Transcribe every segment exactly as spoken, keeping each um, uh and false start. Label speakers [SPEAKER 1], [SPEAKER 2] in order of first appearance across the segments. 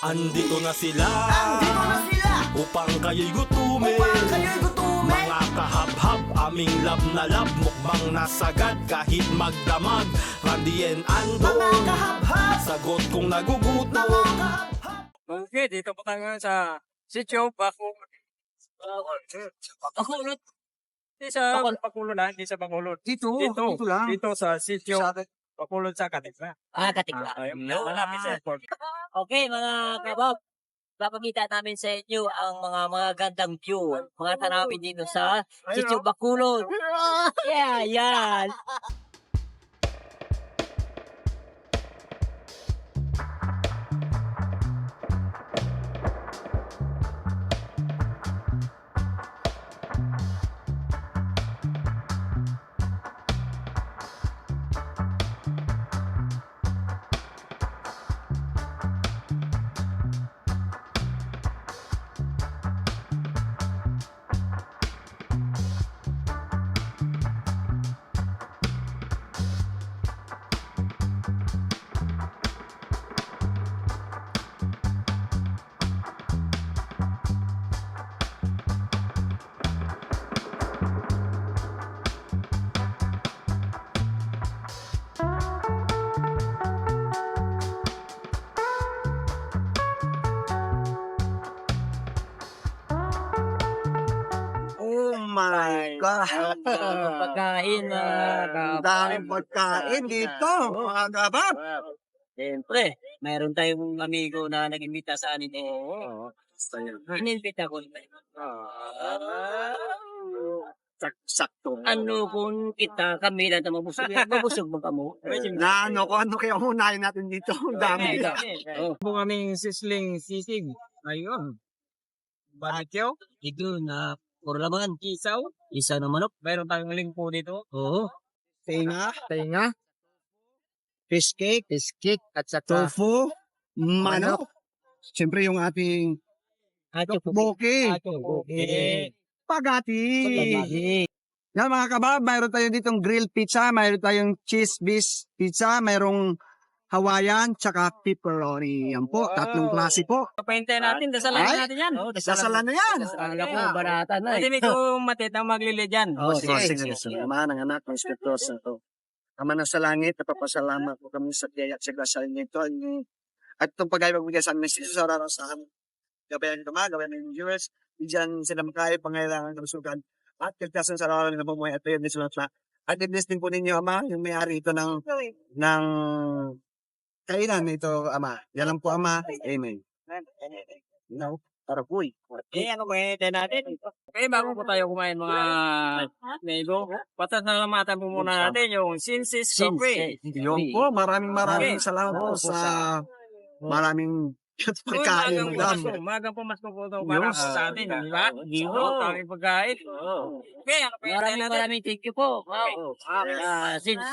[SPEAKER 1] Andito na sila,
[SPEAKER 2] Andito na sila
[SPEAKER 1] upang kayo'y gutumin.
[SPEAKER 2] upang kayo'y gutumin.
[SPEAKER 1] Mga kahab-hab, aming lab na lab, mukbang nasagad kahit magdamag. Randy and Ando,
[SPEAKER 2] Mga kahab-hab,
[SPEAKER 1] sagot kung nagugutom.
[SPEAKER 2] mga kahab-hab.
[SPEAKER 3] Okay, dito po tayo ngayon sa Sitio Bacolod. Bacolod. Hindi sa Bacolod na, hindi sa Bacolod.
[SPEAKER 2] Dito,
[SPEAKER 3] Dito,
[SPEAKER 2] dito lang.
[SPEAKER 3] dito sa Sitio Bacolod sa Katikla.
[SPEAKER 4] Ah, katikla.
[SPEAKER 3] Ayun, malapit sa airport.
[SPEAKER 4] Okay, mga kabab. Papakita namin sa inyo ang mga mga gandang view, mga tanawin dito sa Sitio Bacolod. Yeah, yan.
[SPEAKER 2] Oh my God.
[SPEAKER 4] Pagkain, mga
[SPEAKER 2] Ang
[SPEAKER 4] kabab.
[SPEAKER 2] daming pagkain dito, mga kabab.
[SPEAKER 4] Siyempre, mayroon tayong amigo na nag-imbita sa anin. Eh.
[SPEAKER 3] Oo.
[SPEAKER 4] Inimbita ko.
[SPEAKER 2] Sakto.
[SPEAKER 4] Ano kung kita kami lang na mabusog? Mabusog mo ka mo?
[SPEAKER 2] Na ano ko, ano kaya unahin natin dito? Ang dami.
[SPEAKER 3] Oh. Po kaming sisling sisig. Ayun. Barbecue.
[SPEAKER 4] Ito na kurlaman.
[SPEAKER 3] Isaw.
[SPEAKER 4] Isa na manok.
[SPEAKER 3] Mayroon tayong lingko dito.
[SPEAKER 4] Oo.
[SPEAKER 2] Tinga,
[SPEAKER 5] Tinga, fish cake, fish cake, at saka
[SPEAKER 2] tofu, manok. Siyempre yung ating
[SPEAKER 4] Acho po.
[SPEAKER 2] boki,
[SPEAKER 4] Okay.
[SPEAKER 2] pagati.
[SPEAKER 4] Pagkain.
[SPEAKER 2] Yan mga kabab, mayroon tayo ditong grilled pizza, mayroon tayong cheese bis pizza, mayroong Hawaiian, tsaka pepperoni. Yan po, tatlong klase po.
[SPEAKER 3] Papahintayin natin. Dasalan
[SPEAKER 2] Ay.
[SPEAKER 3] natin yan.
[SPEAKER 4] Oh,
[SPEAKER 2] Dasalan na yan.
[SPEAKER 4] Akala ko barata na
[SPEAKER 3] Hindi
[SPEAKER 4] eh.
[SPEAKER 3] may ko matit ang maglili dyan.
[SPEAKER 2] Oh, sige,
[SPEAKER 5] sige,
[SPEAKER 2] sige.
[SPEAKER 5] sige. Ama ng anak ng Espiritu Santo. Ama na sa langit, napapasalamat po kami sa biyaya at sa grasya nito. At itong pag-ibig magbigay sa amin, Jesus, sa araw sa amin. Gabayan ito mga, gabayan ng viewers. Bigyan sila makaya, pangailangan ng sugan. At kagtasan sa araw ng pumuhay at yun, nisulat na. At i-bless din po ninyo, Ama, yung may-ari ito ng, ng kainan ito, Ama. Yan lang po, Ama. Amen. No, para po eh.
[SPEAKER 3] Eh, ano pahintayin natin? Okay, bago po tayo kumain mga nego, pasasalamatan po muna natin yung Sinsis Coffee.
[SPEAKER 2] Yun po, maraming maraming
[SPEAKER 3] Okay.
[SPEAKER 2] salamat po
[SPEAKER 5] Oo,
[SPEAKER 2] sa maraming pagkain.
[SPEAKER 3] Magang pumasko, magang pumasko po ito para
[SPEAKER 2] Yes.
[SPEAKER 3] sa atin, di ba? Dito, taming pagkain. Okay, ano pahintayin
[SPEAKER 4] Maraming
[SPEAKER 3] natin?
[SPEAKER 4] maraming thank you po. Wow. Ah, since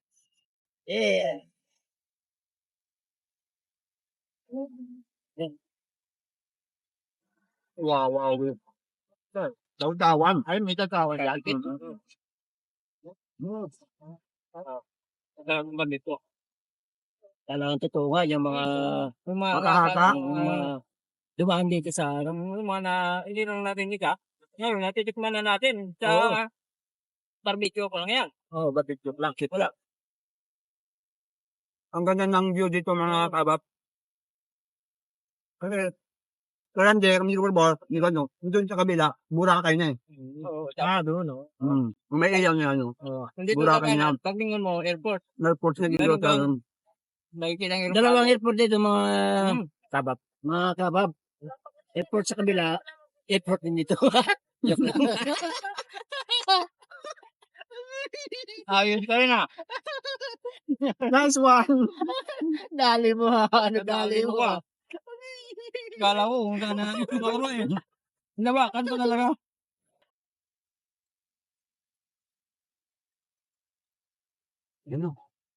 [SPEAKER 4] eh
[SPEAKER 5] Wow, wow. Daw-dawan. Ay, may daw-dawan yan.
[SPEAKER 3] Ang ba nito?
[SPEAKER 4] talagang totoo nga yung mga
[SPEAKER 3] Yung mga
[SPEAKER 2] Makahaka.
[SPEAKER 3] yung
[SPEAKER 4] mga
[SPEAKER 3] mga
[SPEAKER 4] dumaan dito sa
[SPEAKER 3] yung mga na, hindi lang natin nika. Ngayon, natitikman na natin sa
[SPEAKER 4] Oo.
[SPEAKER 3] barbecue ko lang yan.
[SPEAKER 4] oh, barbecue lang.
[SPEAKER 3] Wala.
[SPEAKER 2] Ang ganda ng view dito mga kabab. Kasi, kaya hindi, kami siguro ba, hindi ka no, doon sa kabila, Boracay na eh.
[SPEAKER 3] Oo,
[SPEAKER 4] Ah, doon, no.
[SPEAKER 2] Mm. May iyaw niya, ano,
[SPEAKER 4] Oh.
[SPEAKER 3] Nandito
[SPEAKER 2] Boracay
[SPEAKER 3] ka
[SPEAKER 2] na.
[SPEAKER 3] na, paglingon mo, airport.
[SPEAKER 2] airport na dito.
[SPEAKER 3] Meron
[SPEAKER 2] Sa,
[SPEAKER 3] doon. Nakikita ng airport.
[SPEAKER 4] Dalawang airport dito mga
[SPEAKER 3] Hmm.
[SPEAKER 4] kabab. Mga kabab. Airport sa kabila, airport din dito. Joke lang.
[SPEAKER 3] Ayos ka rin ah.
[SPEAKER 2] nice one!
[SPEAKER 4] Dali mo ha. Ano dali mo ha.
[SPEAKER 3] Kala ko kung saan na ano eh. Hindi ba? Kanto talaga.
[SPEAKER 2] Yan o.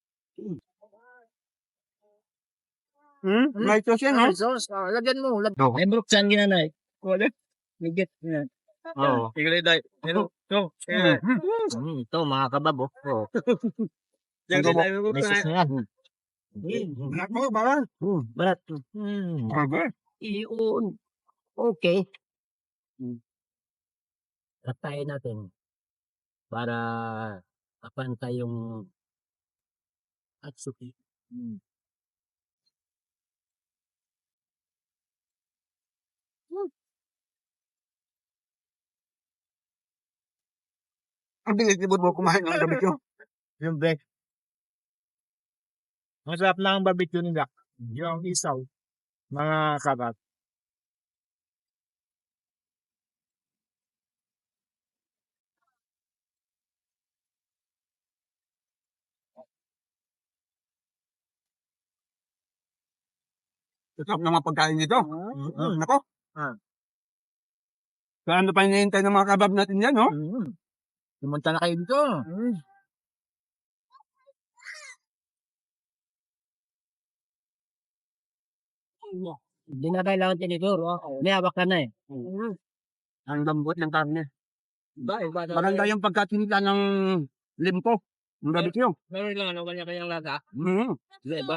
[SPEAKER 2] Hmm? May sauce yan,
[SPEAKER 4] Ah,
[SPEAKER 2] ha?
[SPEAKER 4] sauce. Ah, lagyan mo. Lag
[SPEAKER 2] Oo.
[SPEAKER 4] Ay, bruksan ginanay.
[SPEAKER 3] Wala.
[SPEAKER 4] Ligit. Yan.
[SPEAKER 2] Oo.
[SPEAKER 3] Tigil day. Hello. Go.
[SPEAKER 4] Mm, ito, mga kabab. Oh. Oh.
[SPEAKER 3] Diyan
[SPEAKER 2] Ano
[SPEAKER 3] tayo
[SPEAKER 4] May sauce na yan.
[SPEAKER 2] Ako, bawal.
[SPEAKER 4] Hmm, barat. Hmm. Iyon. Okay. Hmm. Katayin natin para kapantay yung Atsuki. Hmm.
[SPEAKER 2] Ang bilis-libot mo kumain ng gabi ko.
[SPEAKER 6] Yung break. Masarap lang ang barbecue nila. Yung isaw. Mga karat.
[SPEAKER 2] Sarap ng mga pagkain nito. Mm, Nako.
[SPEAKER 6] Ah.
[SPEAKER 2] Kaya ano pa hinihintay ng mga kabab natin yan, no?
[SPEAKER 6] Mm. Pumunta na kayo dito. Mm.
[SPEAKER 4] Hindi na kailangan tinidor. Oh. May hawak ka na eh.
[SPEAKER 2] Ang lambot ng karne.
[SPEAKER 3] Ba, iba na.
[SPEAKER 2] Maganda yung pagkatinita ng limpo. Ng barbecue.
[SPEAKER 3] Meron lang ano, kanya-kanyang lasa.
[SPEAKER 2] Mm.
[SPEAKER 3] Iba.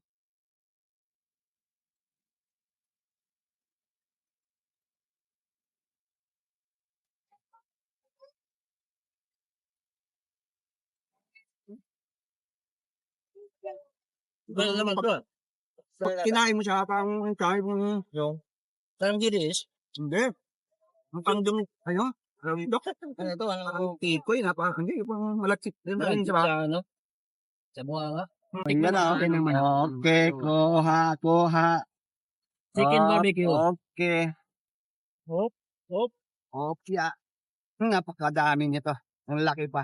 [SPEAKER 3] Iba naman to.
[SPEAKER 2] Pag kinain mo siya, parang kain mo.
[SPEAKER 6] Yung.
[SPEAKER 3] Parang giris.
[SPEAKER 2] Hindi. Ang pangdum, ano? Dok,
[SPEAKER 3] Ano to? Ano?
[SPEAKER 2] ang tikoy, napaka, hindi, parang malaksik din rin,
[SPEAKER 3] Sa
[SPEAKER 2] diba?
[SPEAKER 3] ano? Sa bunga nga.
[SPEAKER 2] Tingnan na, okay naman. Okay, kuha, kuha.
[SPEAKER 4] Chicken barbecue.
[SPEAKER 2] Okay.
[SPEAKER 6] Hop. Hop.
[SPEAKER 2] Okay, ah. Napakadami nito. Ang laki pa.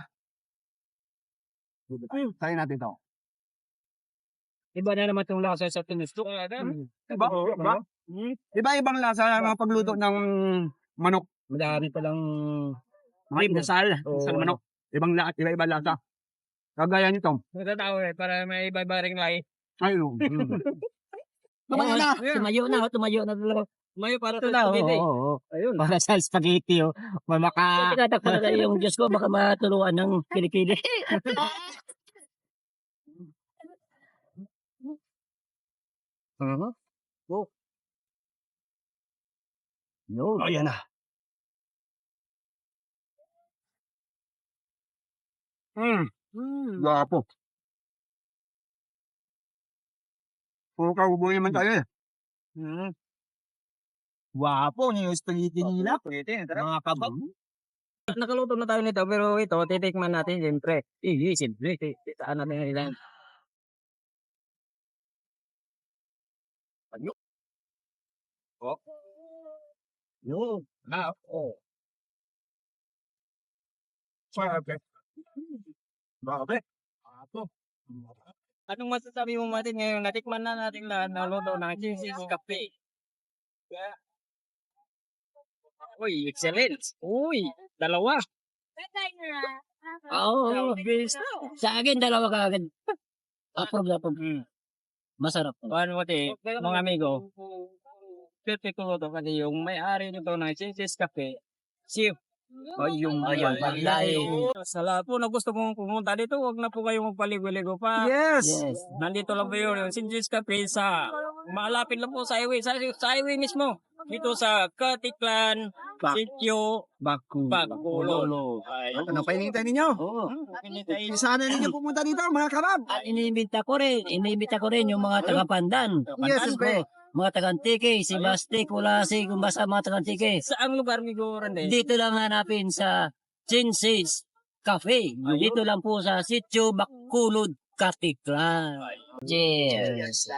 [SPEAKER 2] Try natin to.
[SPEAKER 3] Iba na naman itong lasa sa tinusto.
[SPEAKER 2] Iba, iba. Iba-ibang lasa ng mga pagluto ng manok.
[SPEAKER 3] Madami palang
[SPEAKER 2] Mga inasal.
[SPEAKER 3] Oo.
[SPEAKER 2] Inasal manok. Ibang lahat, iba-iba lasa. Kagaya nito.
[SPEAKER 3] natatao eh, para may iba-iba ring lahi.
[SPEAKER 2] Ayun. Tumayo na.
[SPEAKER 4] Tumayo na. oh, Tumayo na talaga.
[SPEAKER 3] Mayo para
[SPEAKER 4] Ito
[SPEAKER 3] sa
[SPEAKER 4] na. Oo.
[SPEAKER 3] spaghetti.
[SPEAKER 4] oo.
[SPEAKER 3] Ayun.
[SPEAKER 4] Para sa spaghetti. Oh. Mamaka. Tinatakbo na tayo yung Diyos ko. Baka matuluan ng kilikili.
[SPEAKER 2] Uh-huh.
[SPEAKER 4] Go. Yun.
[SPEAKER 2] Oh, yan na. Hmm.
[SPEAKER 4] Hmm.
[SPEAKER 2] Gapo. Puro kaubo naman tayo eh.
[SPEAKER 6] Mm.
[SPEAKER 4] Wapo niyo yung spaghetti nila. Mga kabab.
[SPEAKER 3] Nakaluto na tayo nito, pero ito, titikman natin siyempre. Eh, siyempre. Titaan natin ang ilan.
[SPEAKER 6] Yung. Ah, oh. Sabi. Bakit? Apo.
[SPEAKER 3] Anong masasabi mo Martin ngayon? Natikman na natin lahat na luto ng cheesy cafe. Uy, excellent. Uy, dalawa.
[SPEAKER 4] Oo. Sa akin, dalawa ka agad. Approve na approve. Masarap.
[SPEAKER 3] Paano mo ti, mga amigo? Perfect ko to kasi yung may-ari nito ng cheesy cafe, si o yung
[SPEAKER 4] Ayun, Balay.
[SPEAKER 3] Sa lahat po na gusto mong pumunta dito, huwag na po kayong magpaligo-ligo pa.
[SPEAKER 2] Yes.
[SPEAKER 4] Yes.
[SPEAKER 3] Nandito lang po yun, yung Sinjis Cafe sa malapit lang po sa highway, sa, sa highway mismo. Dito sa Katiklan,
[SPEAKER 2] Bak-
[SPEAKER 3] Sitio,
[SPEAKER 2] Baku.
[SPEAKER 3] Bagulo.
[SPEAKER 2] Ano pa hinihintay ninyo?
[SPEAKER 4] Oo.
[SPEAKER 2] Sana ninyo pumunta dito, mga kabab.
[SPEAKER 4] At iniimbita ko rin, iniimbita ko rin yung mga taga-Pandan.
[SPEAKER 2] Yes,
[SPEAKER 4] Pandan ko. Mga taga-Antike, si Basti, Kulasi, kung basta mga taga-Antike.
[SPEAKER 3] Saang lugar ni Goran din?
[SPEAKER 4] Dito lang hanapin sa Chinsis Cafe. Dito lang po sa Sitio Bakulod, Katiklan. Cheers.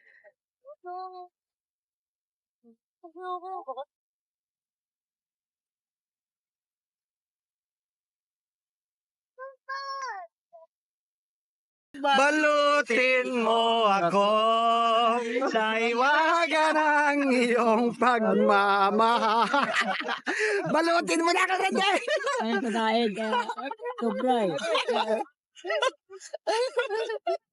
[SPEAKER 2] Balutin mo ako sa iwaga ng iyong pagmamahal. Balutin mo na ako, Rende!
[SPEAKER 4] Ayun, kakain. Kaya, sobra eh.